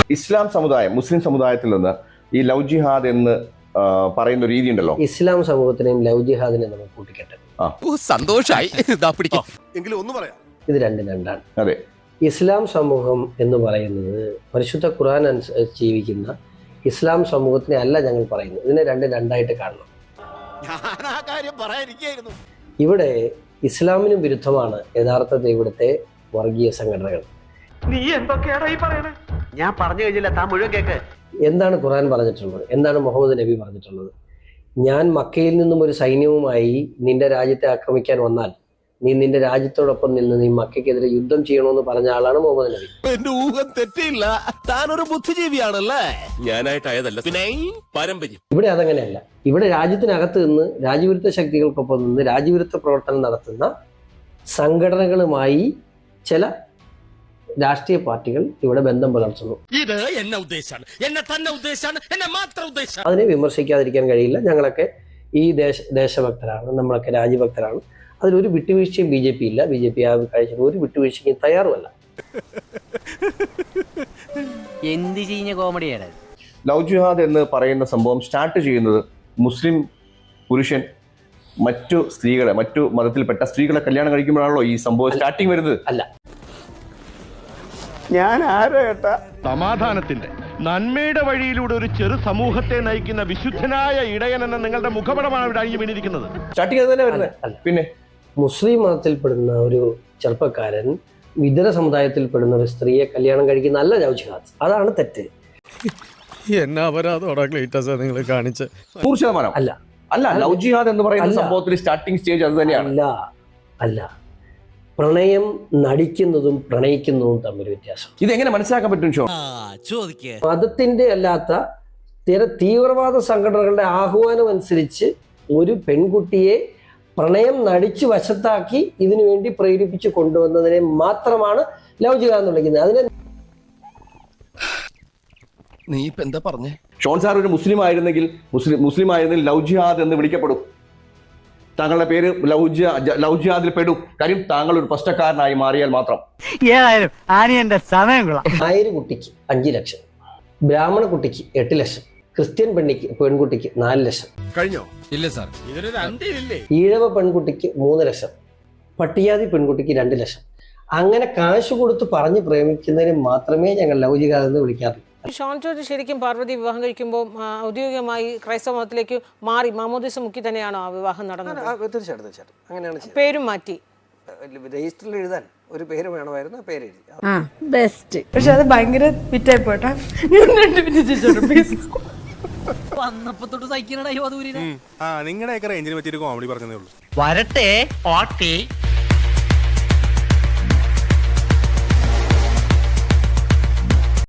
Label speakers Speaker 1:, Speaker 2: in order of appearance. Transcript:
Speaker 1: ഇസ്ലാം സമുദായം, മുസ്ലിം സമുദായത്തിൽ നിന്ന് ഈ ലവ് ജിഹാദ് എന്ന് പറയുന്ന രീതി ഉണ്ടല്ലോ.
Speaker 2: ഇസ്ലാം സമൂഹത്തിനെയും ലവ് ജിഹാദിനെയും നമ്മൾ കൂട്ടിക്കെട്ടെ.
Speaker 3: സന്തോഷായി.
Speaker 2: ഇത് രണ്ടാണ്.
Speaker 1: അതെ,
Speaker 2: ഇസ്ലാം സമൂഹം എന്ന് പറയുന്നത് പരിശുദ്ധ ഖുർആൻ അനുസരിച്ച് ജീവിക്കുന്ന ഇസ്ലാം സമൂഹത്തിനെ അല്ല ഞങ്ങൾ പറയുന്നത്. ഇതിനെ രണ്ടായിട്ട് കാണണം. ഇവിടെ ഇസ്ലാമിനും വിരുദ്ധമാണ് യഥാർത്ഥത്തിൽ ഇവിടുത്തെ വർഗീയ സംഘടനകൾ.
Speaker 4: നീ എന്തൊക്കെയാണ് ഈ പറയുന്നത്?
Speaker 5: ഞാൻ പറഞ്ഞു കഴിഞ്ഞില്ല, താൻ മുഴുവൻ കേക്ക്.
Speaker 2: എന്താണ് ഖുർആൻ പറഞ്ഞിട്ടുള്ളത്? എന്താണ് മുഹമ്മദ് നബി പറഞ്ഞിട്ടുള്ളത്? ഞാൻ മക്കയിൽ നിന്നും ഒരു സൈന്യവുമായി നിന്റെ രാജ്യത്തെ ആക്രമിക്കാൻ വന്നാൽ നീ നിന്റെ രാജ്യത്തോടൊപ്പം നിന്ന് നീ മക്കയ്ക്കെതിരെ യുദ്ധം ചെയ്യണമെന്ന് പറഞ്ഞ ആളാണ് മുഹമ്മദ് നബി.
Speaker 3: എന്റെ ഊഹം തെറ്റില്ല. താനൊരു ബുദ്ധിജീവിയാണല്ലേ? ഞാനായിട്ടായതല്ല, പിന്നെ പാരമ്പര്യം.
Speaker 2: ഇവിടെ അതങ്ങനെയല്ല. ഇവിടെ രാജ്യത്തിനകത്ത് നിന്ന് രാജ്യവിരുദ്ധ ശക്തികൾക്കൊപ്പം നിന്ന് രാജ്യവിരുദ്ധ പ്രവർത്തനം നടത്തുന്ന സംഘടനകളുമായി ചില രാഷ്ട്രീയ പാർട്ടികൾ ഇവിടെ ബന്ധം പുലർത്തുന്നു.
Speaker 3: ഇത് എന്നെ ഉദ്ദേശാണ്, എന്നെ തന്നെ ഉദ്ദേശാണ്, എന്നെ മാത്രം ഉദ്ദേശാണ്.
Speaker 2: അതിനെ വിമർശിക്കാതിരിക്കാൻ കഴിയില്ല. ഞങ്ങളൊക്കെ ഈ ദേശഭക്തരാണ്, നമ്മളൊക്കെ രാജ്യഭക്തരാണ്. അതിലൊരു വിട്ടുവീഴ്ചയും BJP ഇല്ല. BJP ആ കാഴ്ചയിൽ ഒരു വിട്ടുവീഴ്ചയ്ക്കും തയ്യാറുമല്ല.
Speaker 5: എന്ത് ചെയ്യുന്ന കോമഡിയാണ്
Speaker 1: ലവ് ജിഹാദ് എന്ന് പറയുന്ന സംഭവം സ്റ്റാർട്ട് ചെയ്യുന്നത് മുസ്ലിം പുരുഷൻ മറ്റു മതത്തിൽപ്പെട്ട സ്ത്രീകളെ കല്യാണം കഴിക്കുമ്പോഴാണല്ലോ ഈ സംഭവം സ്റ്റാർട്ടിങ് വരുന്നത്.
Speaker 2: അല്ല,
Speaker 4: ഞാൻ ആരോ കേട്ടാ
Speaker 6: സമാധാനത്തിന്റെ നന്മയുടെ വഴിയിലൂടെ ഒരു ചെറു സമൂഹത്തെ നയിക്കുന്ന വിശുദ്ധനായ ഇടയൻ എന്ന നിങ്ങളുടെ മുഖപടമാണ് ഇവിടെ അഴിഞ്ഞു വീണിരിക്കുന്നത്.
Speaker 1: സ്റ്റാർട്ടിങ് അത് തന്നെ വരുന്നത്. പിന്നെ
Speaker 2: മുസ്ലിം മതത്തിൽപ്പെടുന്ന ഒരു ചെറുപ്പക്കാരൻ ഇതര സമുദായത്തിൽപ്പെടുന്ന ഒരു സ്ത്രീയെ കല്യാണം കഴിക്കുന്ന അല്ല ലവ് ജിഹാദ്. അതാണ് തെറ്റ്.
Speaker 7: എന്നാ അപരാധോടാ ക്ലീറ്റസ് നിങ്ങൾ കാണിച്ച്?
Speaker 1: 100%
Speaker 2: അല്ല.
Speaker 1: അല്ല, ലവ് ജിഹാദ് എന്ന് പറയുന്ന സംഭവത്തിൽ സ്റ്റാർട്ടിംഗ് സ്റ്റേജ് അത് തന്നെയാണ്.
Speaker 2: അല്ല, പ്രണയം നടിക്കുന്നതും പ്രണയിക്കുന്നതും തമ്മിൽ വ്യത്യാസം.
Speaker 1: ഇതെങ്ങനെ മനസ്സിലാക്കാൻ പറ്റും?
Speaker 2: മതത്തിന്റെ അല്ലാത്ത തീവ്രവാദ സംഘടനകളുടെ ആഹ്വാനം അനുസരിച്ച് ഒരു പെൺകുട്ടിയെ പ്രണയം നടിച്ചു വശത്താക്കി ഇതിനു വേണ്ടി പ്രേരിപ്പിച്ച് കൊണ്ടുവന്നതിനെ മാത്രമാണ് ലവ് ജിഹാദ് എന്ന് വിളിക്കുന്നത്. അതിനെ
Speaker 3: നീ ഇപ്പൊ എന്താ പറഞ്ഞേ?
Speaker 1: ഷോൺ സാർ ഒരു മുസ്ലിം ആയിരുന്നെങ്കിൽ ലവ് ജിഹാദ് എന്ന് വിളിക്കപ്പെടും. താങ്കളുടെ പേര് ലവ് ജിഹാദിൽ പെടും. കാര്യം താങ്കൾ ഒരു പ്രശ്നക്കാരനായി മാറിയാൽ മാത്രം.
Speaker 5: ഏതായാലും ആനിയന്റെ സമയം കൊള്ളാം.
Speaker 2: നായര് കുട്ടിക്ക് 5 ലക്ഷം, ബ്രാഹ്മണ കുട്ടിക്ക് 8 ലക്ഷം, ക്രിസ്ത്യൻ പെൺകുട്ടിക്ക് 4 ലക്ഷം,
Speaker 3: കഴിഞ്ഞോ? ഇല്ല സാർ, ഇതൊരു അന്ത്യമില്ലേ?
Speaker 2: ഈഴവ പെൺകുട്ടിക്ക് 3 ലക്ഷം, പട്ടികജാതി പെൺകുട്ടിക്ക് 2 ലക്ഷം. അങ്ങനെ കാശ് കൊടുത്ത് പറഞ്ഞ് പ്രേമിക്കുന്നതിന് മാത്രമേ ഞങ്ങൾ ലവ് ജിഹാദ് എന്ന് വിളിക്കാറുള്ളൂ.
Speaker 8: ഷോൺ ജോർജ് ശരിക്കും പാർവതി വിവാഹം കഴിക്കുമ്പോൾ ഔദ്യോഗികമായി ക്രൈസ്തവ മതത്തിലേക്ക് മാറി മാമോദിസ മുക്കി തന്നെയാണോ ആ വിവാഹം നടന്നത്?
Speaker 2: തീർച്ചയായിട്ടും അങ്ങനെയാണ്.
Speaker 8: പേരും മാറ്റി
Speaker 2: രജിസ്റ്ററിൽ എഴുതാൻ ഒരു പേര് വേണമായിരുന്നു, ആ പേര് എഴുതി.
Speaker 9: ബെസ്റ്റ്. പക്ഷെ അത് ഭയങ്കര ഫിറ്റായി പോട്ടെ.
Speaker 5: വന്നപ്പോ തൊട്ട് സഹിക്കണ
Speaker 4: നിങ്ങളുടെയൊക്കെ റേഞ്ചിന് പറ്റിയൊരു കോമഡി പറഞ്ഞതേ ഉള്ളൂ.
Speaker 5: വരട്ടെ.